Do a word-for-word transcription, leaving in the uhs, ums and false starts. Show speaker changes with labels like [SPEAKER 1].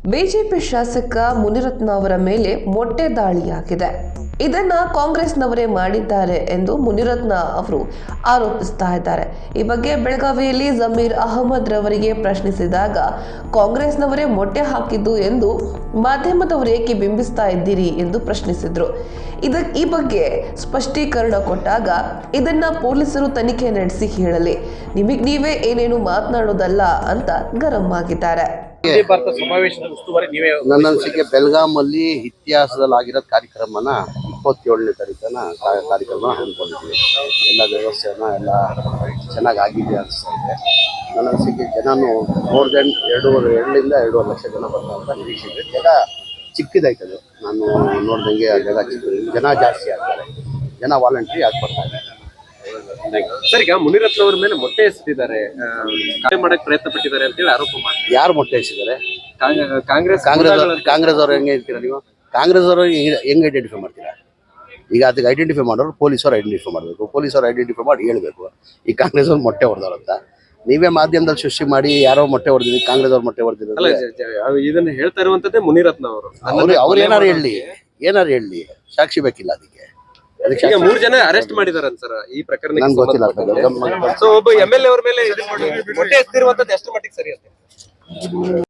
[SPEAKER 1] BJP ಶಾಸಕ ಮುನಿರತ್ನ ಅವರ ಮೇಲೆ ಮೊಟ್ಟೆ ದಾಳಿಯಾಗಿದೆ. ಇದನ್ನ ಕಾಂಗ್ರೆಸ್ನವರೇ ಮಾಡಿದ್ದಾರೆ ಎಂದು ಮುನಿರತ್ನ ಅವರು ಆರೋಪಿಸ್ತಾ ಇದ್ದಾರೆ. ಈ ಬಗ್ಗೆ ಬೆಳಗಾವಿಯಲ್ಲಿ ಜಮೀರ್ ಅಹಮದ್ ರವರಿಗೆ ಪ್ರಶ್ನಿಸಿದಾಗ ಕಾಂಗ್ರೆಸ್ನವರೇ ಮೊಟ್ಟೆ ಹಾಕಿದ್ದು ಎಂದು ಮಾಧ್ಯಮದವರು ಏಕೆ ಬಿಂಬಿಸ್ತಾ ಇದ್ದೀರಿ ಎಂದು ಪ್ರಶ್ನಿಸಿದ್ರು. ಇದ ಈ ಬಗ್ಗೆ ಸ್ಪಷ್ಟೀಕರಣ ಕೊಟ್ಟಾಗ ಇದನ್ನ ಪೊಲೀಸರು ತನಿಖೆ ನಡೆಸಿ ಹೇಳಲಿ, ನಿಮಗ್ ನೀವೇ ಏನೇನು ಮಾತನಾಡೋದಲ್ಲ ಅಂತ ಗರಂ ಆಗಿದ್ದಾರೆ.
[SPEAKER 2] ನನ್ನ ಅನಿಸಿಕೆ ಬೆಳಗಾಮಲ್ಲಿ ಇತಿಹಾಸದಲ್ಲಿ ಆಗಿರೋದು ಕಾರ್ಯಕ್ರಮನ ಇಪ್ಪತ್ತೇಳನೇ ತಾರೀಕನ ಕಾರ್ಯಕ್ರಮ ಹಮ್ಮಿಕೊಂಡಿದ್ವಿ. ಎಲ್ಲ ವ್ಯವಸ್ಥೆನ ಎಲ್ಲ ಚೆನ್ನಾಗಿ ಆಗಿದೆ ಅನಿಸ್ತಾ ಇದೆ. ನನ್ನ ಅನಿಸಿಕೆ ಜನನು ಮೋರ್ ದೆನ್ ಎರಡೂವರೆ ಎರಡರಿಂದ ಎರಡೂವರೆ ಲಕ್ಷ ಜನ ಬರ್ತಾರಂತ ನಿರೀಕ್ಷೆ ಇದೆ. ಜಾಗ ಚಿಕ್ಕದಾಯ್ತದೆ, ನಾನು ನೋಡ್ದಂಗೆ ಆ ಜಾಗ ಚಿಕ್ಕ, ಜನ ಜಾಸ್ತಿ ಆಗ್ತಾರೆ, ಜನ ವಾಲಂಟ್ರಿ ಆಗಿ ಬರ್ತಾರೆ.
[SPEAKER 3] ಸರ್, ಈಗ ಮುನಿರತ್ನ ಅವ್ರ ಮೇಲೆ ಮೊಟ್ಟೆ ಎಸೆದಿದ್ದಾರೆ, ಮಾಡಕ್ ಪ್ರಯತ್ನ ಪಟ್ಟಿದ್ದಾರೆ ಅಂತ ಹೇಳಿ ಆರೋಪ ಮಾಡ್ತಾರೆ.
[SPEAKER 2] ಯಾರು ಮೊಟ್ಟೆ ಎಸೆದಿದ್ದಾರೆ?
[SPEAKER 3] ಕಾಂಗ್ರೆಸ್
[SPEAKER 2] ಕಾಂಗ್ರೆಸ್ ಕಾಂಗ್ರೆಸ್ ಅವ್ರು ಹೆಂಗೆ ಹೇಳ್ತೀರಾ ನೀವು? ಕಾಂಗ್ರೆಸ್ ಅವರು ಹೆಂಗೆ ಐಡೆಂಟಿಫೈ ಮಾಡ್ತೀರಾ? ಈಗ ಅದಕ್ಕೆ ಐಡೆಂಟಿಫೈ ಮಾಡೋರು ಪೊಲೀಸವ್ರು ಐಡೆಂಟಿಫೈ ಮಾಡಬೇಕು, ಪೊಲೀಸವ್ರು ಐಡೆಂಟಿಫೈ ಮಾಡಿ ಹೇಳ್ಬೇಕು ಈ ಕಾಂಗ್ರೆಸ್ ಅವ್ರು ಮೊಟ್ಟೆ ಹೊಡೆದವ್ರು ಅಂತ. ನೀವೇ ಮಾಧ್ಯಮದಲ್ಲಿ ಸೃಷ್ಟಿ ಮಾಡಿ ಯಾರೋ ಮೊಟ್ಟೆ ಹೊಡೆದಿದ್ವಿ, ಕಾಂಗ್ರೆಸ್ ಅವ್ರು ಮೊಟ್ಟೆ ಹೊಡೆದಿದ್ರು.
[SPEAKER 3] ಇದನ್ನ ಹೇಳ್ತಾ ಇರುವಂತದ್ದೇ ಮುನಿರತ್ನ ಅವರು.
[SPEAKER 2] ಅವ್ರು ಅವ್ರು ಏನಾರು ಹೇಳಿ ಏನಾರು ಹೇಳಿ ಸಾಕ್ಷಿ ಬೇಕಿಲ್ಲ ಅದಕ್ಕೆ.
[SPEAKER 3] ಈಗ ಮೂರು ಜನ ಅರೆಸ್ಟ್ ಮಾಡಿದಾರೆ ಸರ್ ಈ ಪ್ರಕರಣ.
[SPEAKER 2] ನಂಗೆ ಗೊತ್ತಿಲ್ಲ.
[SPEAKER 3] ಸೊ ಒಬ್ಬ ಎಂ ಎಲ್ ಎ ಅವ್ರ ಮೇಲೆ ಮೊಟ್ಟೆ ಎಸ್ತಿರುವಂತದ್ದು ಎಷ್ಟು ಮಟ್ಟಿಗೆ ಸರಿ ಅಂತ